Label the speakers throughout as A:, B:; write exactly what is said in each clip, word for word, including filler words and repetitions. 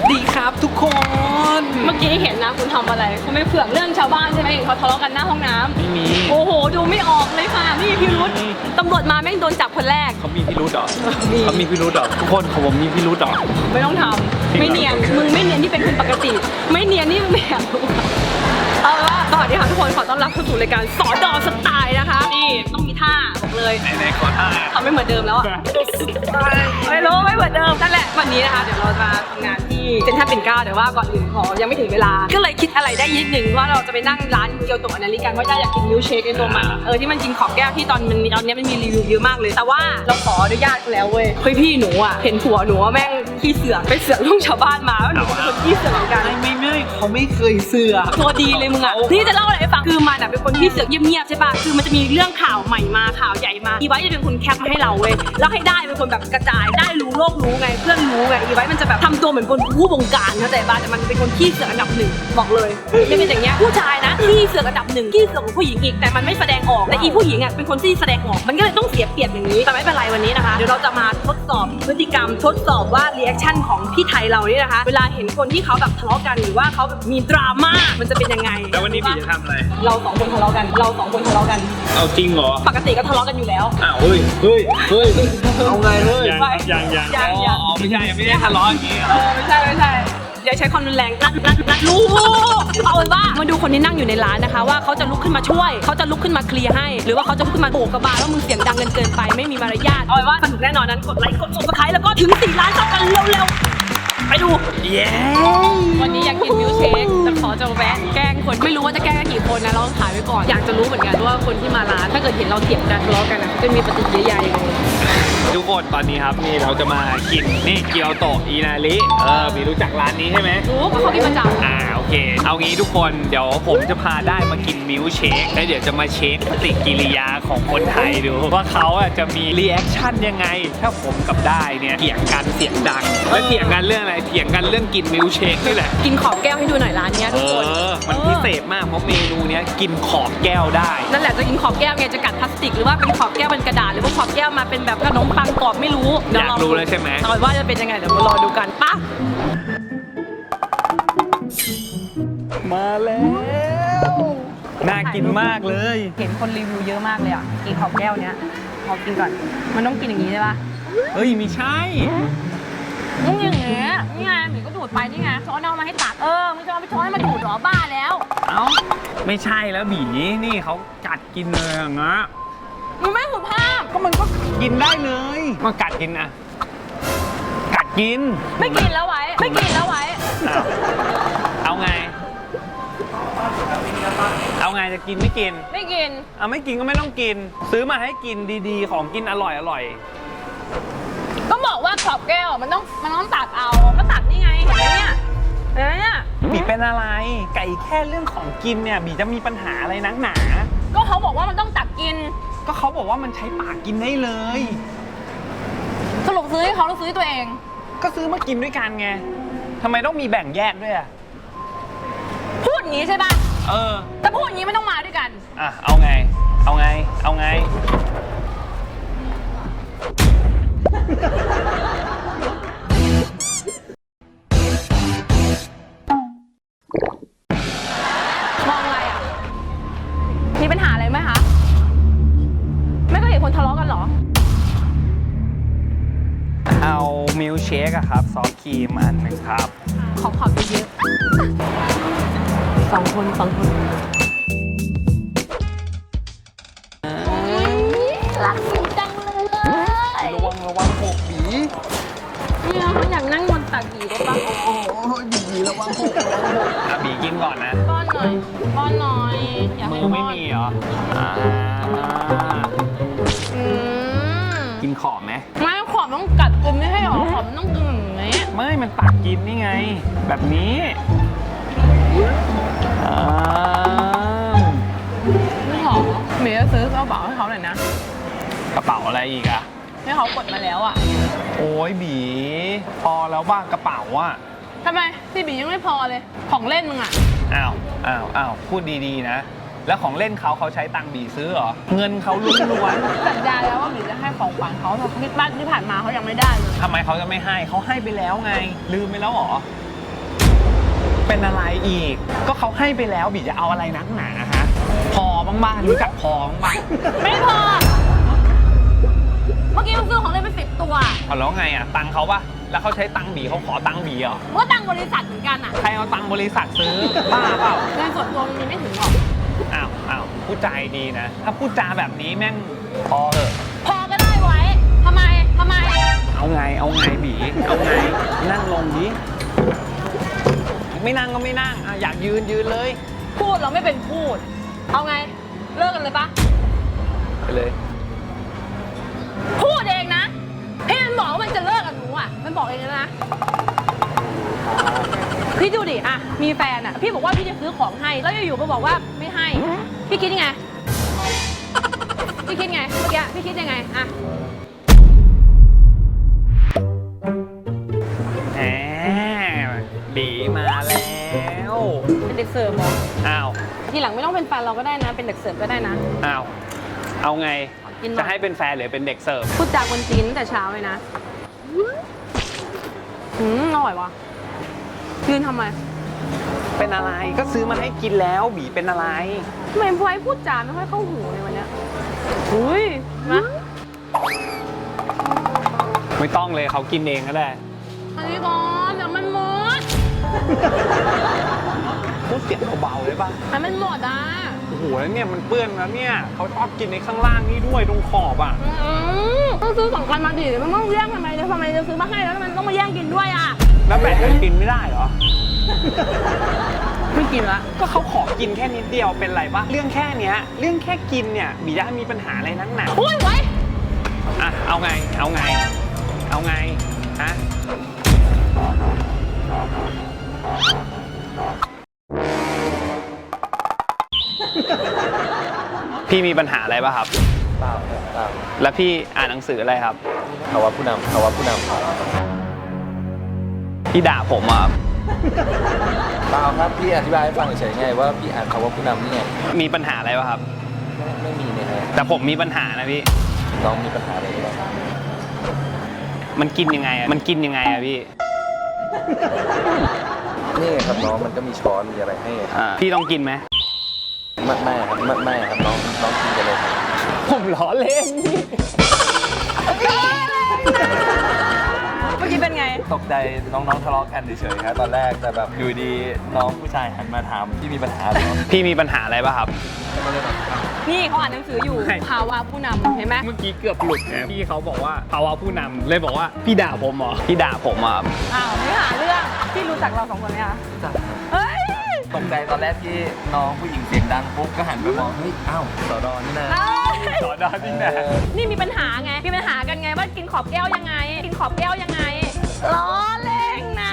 A: ดีครับทุกคน
B: เมื่อกี้เห็นนะคุณทำอะไรคุณไม่เผือกเรื่องชาวบ้านใช่ไหมเขาทะเลาะกันหน้าห้องน้ำ
A: ไม่มี
B: โอ้โหดูไม่ออกเลยค่ะนี่พิรุธตำรวจมาแม่งโดนจับคนแรก
A: เขามีพิรุธเหรอเขามีพิรุธเหรอทุกคนของผมมีพิรุธเหรอ
B: ไม่ต้องทำไม่เนียนมึงไม่เนียนที่เป็นคนปกติไม่เนียนนี่มึงแบบเอาละสวัสดีค่ะทุกคนขอต้อนรับเข้าสู่รายการสอดอสไตล์นะคะนี่ต้องมีท่าบอกเลย
A: ไหนๆขอท่า
B: ทำไม่เหมือนเดิมแล้วอ่ะไม่รู้ไม่เหมือนเดิมนั่นแหละวันนี้นะคะเดี๋ยวเราจะทำงานที่เซ็นทรัลปิ่นเกล้าแต่ว่าก่อนอื่นขอยังไม่ถึงเวลาก็เลยคิดอะไรได้นิดนึงว่าเราจะไปนั่งร้านเกียวโตะอนาลิกันเพราะย่าอยากกินมิลค์เชคในตัวมันเออที่มันกินขอบแก้วที่ตอนมันตอนนี้มันมีรีวิวเยอะมากเลยแต่ว่าเราขออนุญาตแล้วเว้ยเฮ้ยพี่หนูอ่ะเห็นผัวหนูว่าแม่งขี้เสือกไปเสือกลูกชาวบ้านมาแล้วหนูเป็นคนขี้เสือกเหมือนกัน
A: ไม่ไม่ไม่เขาไม่เคยเสือก
B: ตัวดีเลยมึงอ่ะนี่จะเล่าอะไรให้ฟังคือมันอ่ะเป็นคนที่เสือกเงียบๆใช่ป่ะคือมันจะมีเรื่องข่าวใหม่มาข่าวใหญ่มาอีไว้จะเป็นคนแคปมาให้เราเว้ยแล้วให้ได้เป็นคนแบบกระจายได้รู้โลกรู้ไงเพื่อนรู้ไงอีไว้มันจะแบบทำตัวเหมือนคนผู้บงการเข้าใจป่ะแต่มันเป็นคนขี้เสือกอันดับหนึ่งบอกเลยไม่เป็นอย่างเงี้ยผู้ชายนะขี้เสือกอันดับหนึ่งขี้เสือกของผู้หญิงอีกแต่มันไม่แสดงออกแต่อีผู้หญิงอ่ะเป็นคนที่แสดงออกมันก็เลยต้องเสียเปรียบอย่างนี้แต่ไม่เป็นไรวันนี้นะคะเดี๋ยวเราจะมาทดสอบพฤติกรรมทดสอบว่ารีแอคชั่นของพี่ไทยเรานี่นะคะเวลาเห็นคนที่เขาแบบทะเลาะกันหรือว่าเขาแบบมีดราม่ามันจะเป็นยังไง
A: แล้ววันนี้พี่จะทำอะไร
B: เราสองคนทะเลาะกันเราสองคนทะเลาะกัน
A: เอาจริงเหรอ
B: ปกติก็ทะเลาะกันอยู่แล้ว
A: อ้าวเฮ้ยเฮ้ยเฮ้ยเอาไงเฮ้ย
B: ยังยังยังยัง
A: อ๋อไม่ใช่ไม่ได้ทะเลาะอย่างงี้
B: เออไม่ใช่ไม่ใช่อย่าใช้ความรุนแรงนัดนัดนัดลูกเอาเป็นว่ามาดูคนที่นั่งอยู่ในร้านนะคะว่าเขาจะลุกขึ้นมาช่วยเขาจะลุกขึ้นมาเคลียร์ให้หรือว่าเขาจะลุกขึ้นมาโบกกระบาลว่ามึงเสียงดังเกินเกินไปไม่มีมารยาทเอาเป็นว่าสนุกแน่นอนนั้นกดไลค์กดซับสไครต์แล้วก็ถึงสี่ล้านซับกันเร็วๆไปดู
A: เย้
B: วันนี้อยากกินมิลค์เชคแต่ขอจะแวะแกล้งคนไม่รู้ว่าจะแกล้งกี่คนนะเราต้องถ่ายไว้ก่อนอยากจะรู้เหมือนกันว่าคนที่มาร้านถ้าเกิดเห็นเราเถียงกันทะเลาะกันนะจะมีปฏิกิริยายังไง
A: ทุกคนตอนนี้ครับนี่เราจะมากินนี่เกียวโตะอินาริเออมีรู้จักร้านนี้ใช่ไหม
B: รู้เพราะเขากินประจำ
A: อ่าโอเคเอางี้ทุกคนเดี๋ยวผมจะพาได้มากินมิลค์เชคแล้วเดี๋ยวจะมาเช็คปฏิกิริยาของคนไทยดูว่าเขาอ่ะจะมีรีแอคชั่นยังไงถ้าผมกับได้เนี่ยเถียงกันเสียงดังแล้วเถียงกันเรื่องอะไรเถียงกันเรื่องกินมิลค์เชคนี่แหละ
B: กินขอบแก้วให้ดูหน่อยร้านนี้ทุกคน
A: เออมันพิเศษมากเพราะเมนูเนี้ยกินขอบแก้วได้
B: นั่นแหละจะกินขอบแก้วไงจะกัดพลาสติกหรือว่าเป็นขอบแก้วเป็นกระดาษหรือว่าขอบแก้วมาเป็นแบบขนมปังกรอบไม่รู้
A: อยากรู้เลยใช่ไหม
B: เอาว่าจะเป็นยังไงเดี๋ยวมารอดูกันป่ะ
A: มาแล้วน่ากินมากเลย
B: เห็นคนรีวิวเยอะมากเลยอ่ะกินขอบแก้วเนี้ยขอกินก่อนมันต้องกินอย่างนี้ใช่ปะ
A: เฮ้ยไม่ใช่
B: มึงอย่างเงี้ยนี่ไงหมีก็ดูดไปนี่ไงช้อนเอามาให้ตักเออมึงจะเอาไปช้อนให้มาดูดหรอบ้าแล้ว
A: เอ้าไม่ใช่แล้วบีนี่เขากัดกินเลยอย่างเงี้ย
B: มึงไม่สุภาพ
A: ก็มันก็กินได้เลยมากัดกินนะกัดกิน
B: ไม่กินแล้วไว้ไม่กินแล้วไว้
A: เอาไงเอาไงจะกินไม่กิน
B: ไม่กิน
A: เอาไม่กินก็ไม่ต้องกินซื้อมาให้กินดีๆของกินอร่อยอร่อย
B: ก็บอกว่าขอบแก้วมันต้องมันต้องตักเอาก็ตักนี่ไงเห็นไหมเนี่ยเห็นไหมเนี่ย
A: บีเป็นอะไรไก่แค่เรื่องของกินเนี่ยบีจะมีปัญหาอะไรนักหนา
B: ก็เขาบอกว่ามันต้องตักกิน
A: ก็เขาบอกว่ามันใช้ปากกินได้เลย
B: สรุปซื้อให้เขาหรือซื้อตัวเอง
A: ก็ซื้อมากินด้วยกันไงทำไมต้องมีแบ่งแยกด้วยอะ
B: พูดอย่างนี้ใช่ป่ะ
A: เออ
B: แต่พูดอย่างนี้ไม่ต้องมาด้วยกัน
A: อ่ะเอาไงเอาไงเอาไง
B: มองอะไรอ่ะมีปัญหาอะไรไหมคะไม่เคยเห็นคนทะเลาะกันหรอ
A: เอามิลค์เชคอะครับซอสครีมอันหนึ่งครับ
B: ขอขอบเยอะสองคนสองคนรักสีจังเลย
A: ระวังระวังหกบี
B: เนี่ยเขาอยากนั่งบนตักบีได้ปะ
A: โอ้โหบีระวังหกอ่ะบีกินก่อนนะ
B: ป้อนหน่อยป้อนหน่อย
A: มือไม่มีเหรออ่ากินขอบไหม
B: ไม่ขอบต้องกัดกินไม่ให้หรอขอบต้องกินอย่างนี้
A: ไม่มันตักกินนี่ไงแบบนี้อ่า
B: ไม่หรอเมย์จะซื้อกระเป๋าให้เขาหน่อยนะ
A: กระเป๋าอะไรอีกอะ
B: ให้เขากดมาแล้วอะ
A: โอ้ยบีพอแล้วบ้างกระเป๋าอะ
B: ทำไมที่บียังไม่พอเลยของเล่นมึงอะ
A: อ้าวอ้าวอ้าวพูดดีๆนะแล้วของเล่นเขาเขาใช้ตังค์บีซื้อเหรอเงินเขาล้วน
B: ๆสัญญาแล้วว่าบีจะให้ของขวัญเขาแต่ที่บ้านที่ผ่านมาเขายังไม่ได้เลย
A: ทำไมเขาจะไม่ให้เขาให้ไปแล้วไงลืมไปแล้วเหรอเป็นอะไรอีก ก็เขาให้ไปแล้วบีจะเอาอะไรนักหนาฮะพอบ้างบ้างรู้จักพอบ้างบ้าง
B: ไม่พอ เมื่อกี้มึงซื้อของเล่นไปสิบตัว
A: เอาแล้วไงอ่ะตังค์เขาปะแล้วเขาใช้ตังค์บีเขาขอตังค์บีเหรอ
B: เมื่อตังค์บริษัทเหมือนกันอ่ะ
A: ใครเอาตังค์บริษัทซื้อบ้าเปล่า
B: เงินส่วนตัวมันมีไม่ถึงหรอก
A: อ้าวอ้าวพูดจาดีนะ ถ้าพูดจาแบบนี้แม่งพอเถอะ
B: พอก็ได้ไว้ทำไมทำไม
A: เอาไงเอาไงบีเอาไงนั่งลงดิไม่นั่งก็ไม่นั่งอ่ะอยากยืนยืนเลย
B: พูดเราไม่เป็นพูด เอาไง เลิกกันเลยปะ
A: ไปเลย
B: พูดเองนะพี่มันบอกว่ามันจะเลิกกับหนูอ่ะ มันบอกเองนะ พี่ดูดิอ่ะมีแฟนอ่ะ พี่บอกว่าพี่จะซื้อของให้ แล้วอยู่ๆมาบอกว่าไม่ให้ พี่คิดยังไง พี่คิดไงเมื่อกี้พี่คิดยังไงอ่ะ
A: แหมบีมาแล้ว
B: เป็นเด็กเสิร์ฟเหรอ
A: อ้าว
B: ทีหลังไม่ต้องเป็นแฟนเราก็ได้นะ เป็นเด็กเสิร์ฟก็ได้นะ
A: อ้าวเอาไง
B: กินหน่อย
A: จะให้เป็นแฟนหรือเป็นเด็กเสิร์ฟ
B: พูดจากคนจีนตั้งแต่เช้าเลยนะ อืมอร่อยวะยืนทำไม
A: เป็นอะไรก็ซื้อมาให้กินแล้วบีเป็นอะไร
B: ทำไมพลอยพูดจาไม่ค่อยเข้าหูเลยวันเนี้ยอุ้ยนะ
A: ไม่ต้องเลยเขากินเองก็ได้
B: อันนี้ก่อนเดี๋ยวมันหมด
A: พูดเสียงเบาๆเลยป่ะ
B: ให้มันหมดอ่ะ
A: โอ้โหแล้วเนี่ยมันเปื้อนแล้วเนี่ยเขาชอบกินในข้างล่างนี่ด้วยตรงขอบอ่ะ
B: อืมต้องซื้อสองกันมาดิมันต้องแย่งทำไมทำไมจะซื้อมาให้แล้วมันต้องมาแย่งกินด้วยอ่ะ
A: แล้วแบ่งกันกินไม่ได้เหรอ
B: ไม่กินละ
A: ก็เขาขอกินแค่นิดเดียวเป็นไรปะเรื่องแค่เนี้ยเรื่องแค่กินเนี่ยบีจะมีปัญหาอะไรนักหนา
B: อุ้ยไว้
A: อ่ะเอาไงเอาไงเอาไงฮะพี่มีปัญหาอะไรป่ะครับ
C: เปล่าครับเปล่า
A: แล้วพี่อ่านหนังสืออะไรครับ
C: ภาวะผู้นำภาวะผู้นำ
A: พี่ด่าผมอ่ะ
C: เปล่าครับพี่อธิบายให้ฟังเฉยๆไงว่าพี่อ่านภาวะผู้นำนี่ไง
A: มีปัญหาอะไรป่ะครับ
C: ไม่ไม่มีเนี่ยฮะ
A: แต่ผมมีปัญหานะพี่
C: น้องมีปัญหาอะไรหรือเปล่า
A: มันกินยังไงอ่ะมันกินยังไงอ่ะพี่
C: นี่ไงครับน้องมันก็มีช้อนมีอะไรให้
A: อ่าพี่ต้องกินไหม
C: ไม่ไม่ครับไม่ไม่ครับน้องน้องกินกันเลยครับ
A: ผมล้อเล่น
B: เมื่อกี้เป็นไง
C: ตกใจน้องๆทะเลาะกันเฉยๆครับตอนแรกแต่แบบอยู่ดีน้องผู้ชายหันมาถามพี่มีปัญหาเหรอ
A: พี่มีปัญหาอะไรป่ะครับ
C: ก็เลยแบบอ้าว
B: นี่เขาอ่านหนังสืออยู่
A: ใช่
B: ภาวะผู้นำเห็นไหม
A: เมื่อกี้เกือบหลุดนะพี่เขาบอกว่าภาวะผู้นำเลยบอกว่าพี่ด่าผมเหรอพี่ด่าผมอ่ะ
B: อ้าวไม่หาเรื่องพี่รู้จักเราสองคนไหมคะ
C: จัดครับ
B: เฮ้ย
C: ตกใจตอนแรกที่น้องผู้หญิงเสียงดังปุ๊บก็หันไปมองเฮ้ยอ้าวสอดอนี่นะ
B: เอ้ย
A: สอนดาจริงนะ
B: นี่มีปัญหาไง มีปัญหากันไงว่ากินขอบแก้วยังไง กินขอบแก้วยังไง ล้อเล่นนะ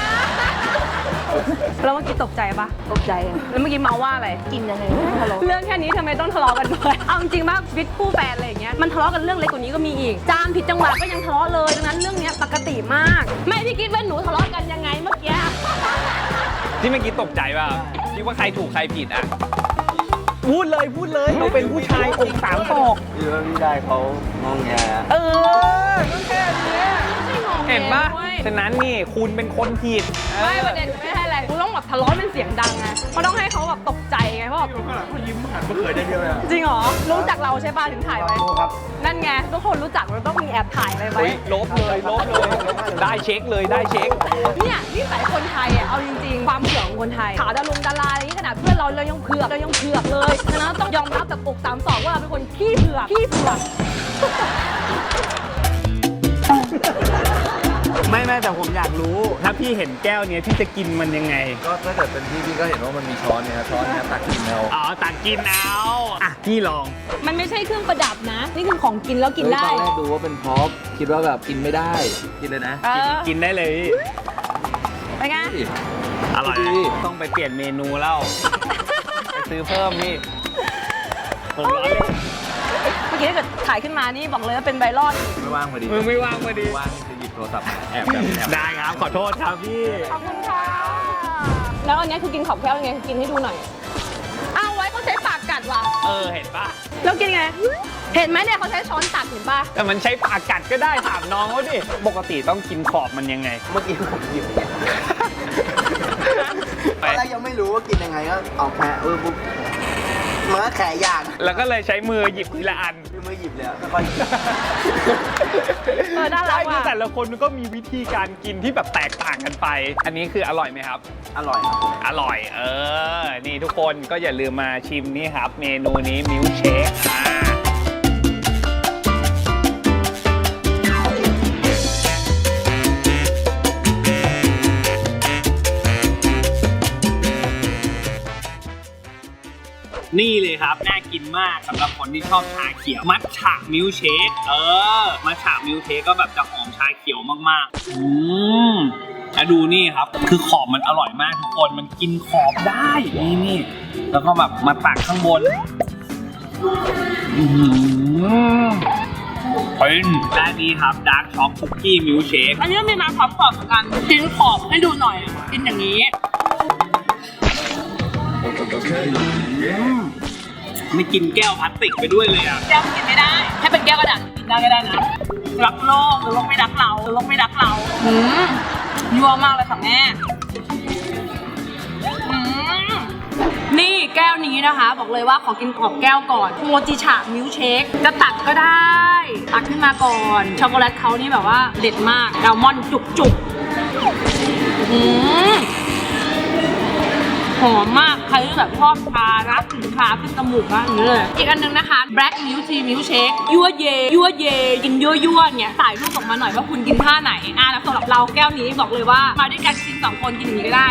B: แล้วเมื่อกี้ตกใจปะตกใจ แล้วเมื่อกี้เมาว่าอะไร กินยังไงทะเลาะเรื่องแค่นี้ทำไมต้องทะเลาะกันด้วย เอาจริงๆว่าชีวิตคู่แฟนอะไรอย่างเงี้ย มันทะเลาะกันเรื่องเล็กกว่านี้ก็มีอีก จามผิดจังหวะก็ยังทะเลาะเลย ดังนั้นเรื่องเนี้ยปกติมาก ไม่พี่คิดว่าหนูทะเลาะกันยังไงเมื่อกี้
A: ที่เมื่อกี้ตกใจป่ะคิดว่าใครถูกใครผิดอ่ะพูดเลยพูดเลยเราเป็นผู้ชายอกสามศอก
C: พี่ว่าพี่ได้เขางงแง
A: เออก็แค่เนี้ย
B: ไม่งง
A: เห็นปะ
B: เว้ย
A: ฉะนั้นนี่คุณเป็นคนผิด
B: ไม่ประเด็นไม่ใช่อะไรกูต้องแบบทะเลาะเป็นเสียงดังไงเพราะต้องให้เขาแบบตกใจไงเพราะแบบ
C: เขายิ้มหันมาเขินได้เดียวเลย
B: จริงเหรอ รู้จักเราใช่ป่ะถึงถ่ายไว้
C: ครับ
B: นั่นไงทุกคนรู้จักเราต้องมีแอบถ่ายอะไรไว้
A: เฮ้ยลบเลยลบเลย ได้เช็คเลยได้เช็ค
B: เนี่ยนิสัยคนไทยอ่ะเอาจริงๆ ความเผือกของคนไทยข่าวดารงดาราอะไรนี้ขนาดเพื่อนเราเรายังเผือกเรายังเผือกเลยฉะนั้นต้องยอมรับจากอกสามสองว่าเราเป็นคนขี้เผือกขี้เผือก
A: ไม่ไม่แต่ผมอยากรู้ ถ้าพี่เห็นแก้วเนี้ยพี่จะกินมันยังไง
C: ก็ถ้าเกิดเป็นพี่พี่ก็เห็นว่ามันมีช้อนเนี่ยช้อนเนี่ยตักกินเอา
A: อ๋อตักกินเอาอ่ะพี่ลอง
B: มันไม่ใช่เครื่องประดับนะ นี่คือของกินแล้วกินได้
C: ตอนแรกดูว่าเป็นพร็อพคิดว่าแบบกินไม่ได้ กินเลยนะ
B: เออ
A: กินได้เลยพี่
B: ไปไง
A: อร่อย
C: ดี
A: ต้องไปเปลี่ยนเมนูแล้ว ไปซื้อเพิ่มพี่ผมร้อนเลย
B: เมื่อกี้ถ้าเกิดถ่ายขึ้นมานี่บอกเลยว่าเป็นไวรัลอีก
C: ไม่ว่างพอดี
A: มึงไม่ว่างพอดี
C: ว่างจะหยิบโทรศัพท์มาแอบแบบแอบ
A: ได้ครับ ขอโทษครับพี่
B: ขอบคุณค่ะ แล้วอันนี้คือกินขอบแก้วยังไงกินให้ดูหน่อยอ้าวไว้เขาใช้ปากกัดว่ะ
A: เออ เห็นปะ
B: แล้วกินไง เห็นไหมเนี่ยเขาใช้ช้อนตักเห็นปะ
A: แต่มันใช้ปากกัดก็ได้ถามน้องเขาดิ ปกติต้องกินขอบมันยังไง
C: เมื่อกี้ผมหยิบ
D: แรกยังไม่รู้ว่ากินยังไงก็เอาแค่เออปุ๊บมันก็แขนยาก
A: แล้วก็เลยใช้มือหยิบทีละอัน
D: คือมือหยิบเลยค่อยๆหยิบ
B: เออน่ารัก
A: ใช่คือ
B: ว่ะ
A: แต่ละคนมันก็มีวิธีการกินที่แบบแตกต่างกันไป อันนี้คืออร่อยไหมครับ
D: อร่อยครับ
A: อร่อย เออ นี่ทุกคนก็อย่าลืมมาชิมนี่ครับ เมนูนี้มิลค์เชคอ่านี่เลยครับ น่ากินมากสำหรับคนที่ชอบชาเขียว มัทฉะมิลค์เชค เออ มัทฉะมิลค์เชคก็แบบจะหอมชาเขียวมากๆ อืมแล้วดูนี่ครับ คือขอบมันอร่อยมากทุกคน มันกินขอบได้ นี่นี่แล้วก็แบบมาตักข้างบน อืมเป็นด้านนี้ครับดาร์กช็อกคุกกี้มิลค์เชค
B: อันนี้มีมาพร้อมขอบเหมือนกันกินขอบให้ดูหน่อย กินอย่างนี้
A: ไม่กินแก้วพลาสติกไปด้วยเลยอ่ะ
B: แก้วกินไม่ได้ ให้เป็นแก้วกระดาษกินได้ก็ได้นะ รักโลกหรือโลกไม่รักเราหรือโลกไม่รักเราอืมยัวมากเลยค่ะแม่อืมนี่แก้วนี้นะคะ บอกเลยว่าขอกินขอบแก้วก่อนโมจิฉะมิลค์เชคจะตักก็ได้ ตักขึ้นมาก่อน ช็อกโกแลตเขานี่แบบว่าเด็ดมากอัลมอนด์จุกๆอืมหอมมาก ใครที่แบบชอบชานะกลิ่นชาขึ้นจมูกนะอย่างนี้เลย อีกอันหนึงนะคะ Black Milk Tea Milk Shake ยั่วเยยั่วเยกินยั่วยั่วๆเนี่ยถ่ายรูปออกมาหน่อยว่าคุณกินท่าไหนอ่ะแล้วสำหรับเราแก้วนี้บอกเลยว่ามาด้วยกันกินสองคนกินอย่างนี้ก็ได้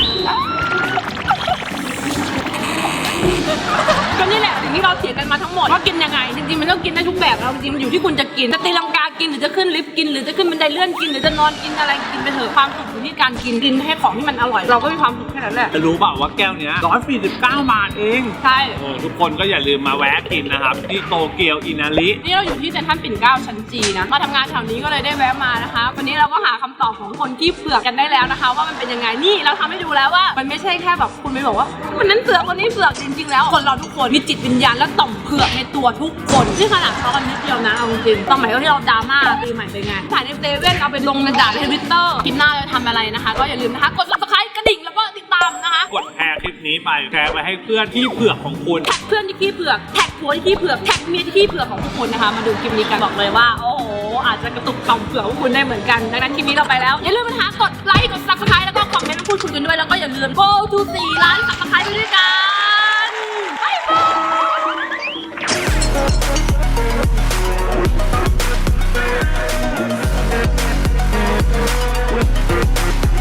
B: ก็นี่แหละสิ่งที่เราเถียงกันมาทั้งหมดว่ากินยังไงจริงๆมันต้องกินได้ทุกแบบแล้วจริงๆมันอยู่ที่คุณจะกินจะตีลังกากินหรือจะขึ้นลิฟต์กินหรือจะขึ้นบันไดเลื่อนกินหรือจะนอนกินอะไรกินไปเถอะความสุขอยู่ที่การกินกินให้ของที่มันอร่อยเราก็มีความสุขแค่นั้นแหละ
A: จะรู้เปล่าว่าแก้วเนี้ยหนึ่งร้อยสี่สิบเก้าบาทเอง
B: ใช่
A: โอ้ทุกคนก็อย่าลืมมาแวะกินนะครับ ที่โตเกียวอินาริ
B: นี่เราอยู่ที่เซ็นทรัลปิ่นเกล้าชั้นจีนะมาทำงานแถวนี้ก็เลยได้แวะมานะคะวันนี้เราก็หาคำตอบของคนที่เผือกกันได้แล้วนะคะ ว่ามันเป็นยังไงนี่เราทำให้ดูแล้วว่ามันไม่ใช่แค่แบบคุณไปบอกว่ามันนั้นเผือกคนนี้เผือกจริงๆแล้วคนเราทุกคนมีจิตวิญญาณและต่อมเผือกในตัวทุกคนที่ขนาดเขากันนิดเดียวนะเอาจริงๆสมัยที่เราดราม่าปีใหม่เป็นไงถ่ายในเซเว่นเอาไปลงในด่าในทวิตเตอร์คลิปหน้าเราทำอะไรนะคะ ก็อย่าลืมนะคะกด ซับสไครบ์ กระดิ่งแล้วก็ติดตามนะคะ
A: กดแชร์คลิปนี้ไปแชร์ไปให้เพื่อนที่เผือกของคุณ
B: แท็กเพื่อนที่ขี้เผือกแท็กผัวที่ขี้เผือกแท็กเมียที่ขี้เผือกของทุกคนนะคะ มาดูคลิปนี้กันบอกเลยว่าโอ้โหอาจจะกระตุกต่อมเผือกของคุณได้เหมือนกันดังนั้นคลิปนี้เราไปแล้วอย่าลืมนะคะกดไลค์กด ซับสไครบ์ แล้วก็คอมเมนต์มาพูดคุยกันด้วยแล้วก็อย่าลืม go to สี่ล้าน ซับสไครบ์ ไปด้วยกันบ๊ายบาย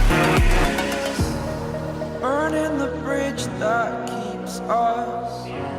E: Burning the bridge that keeps us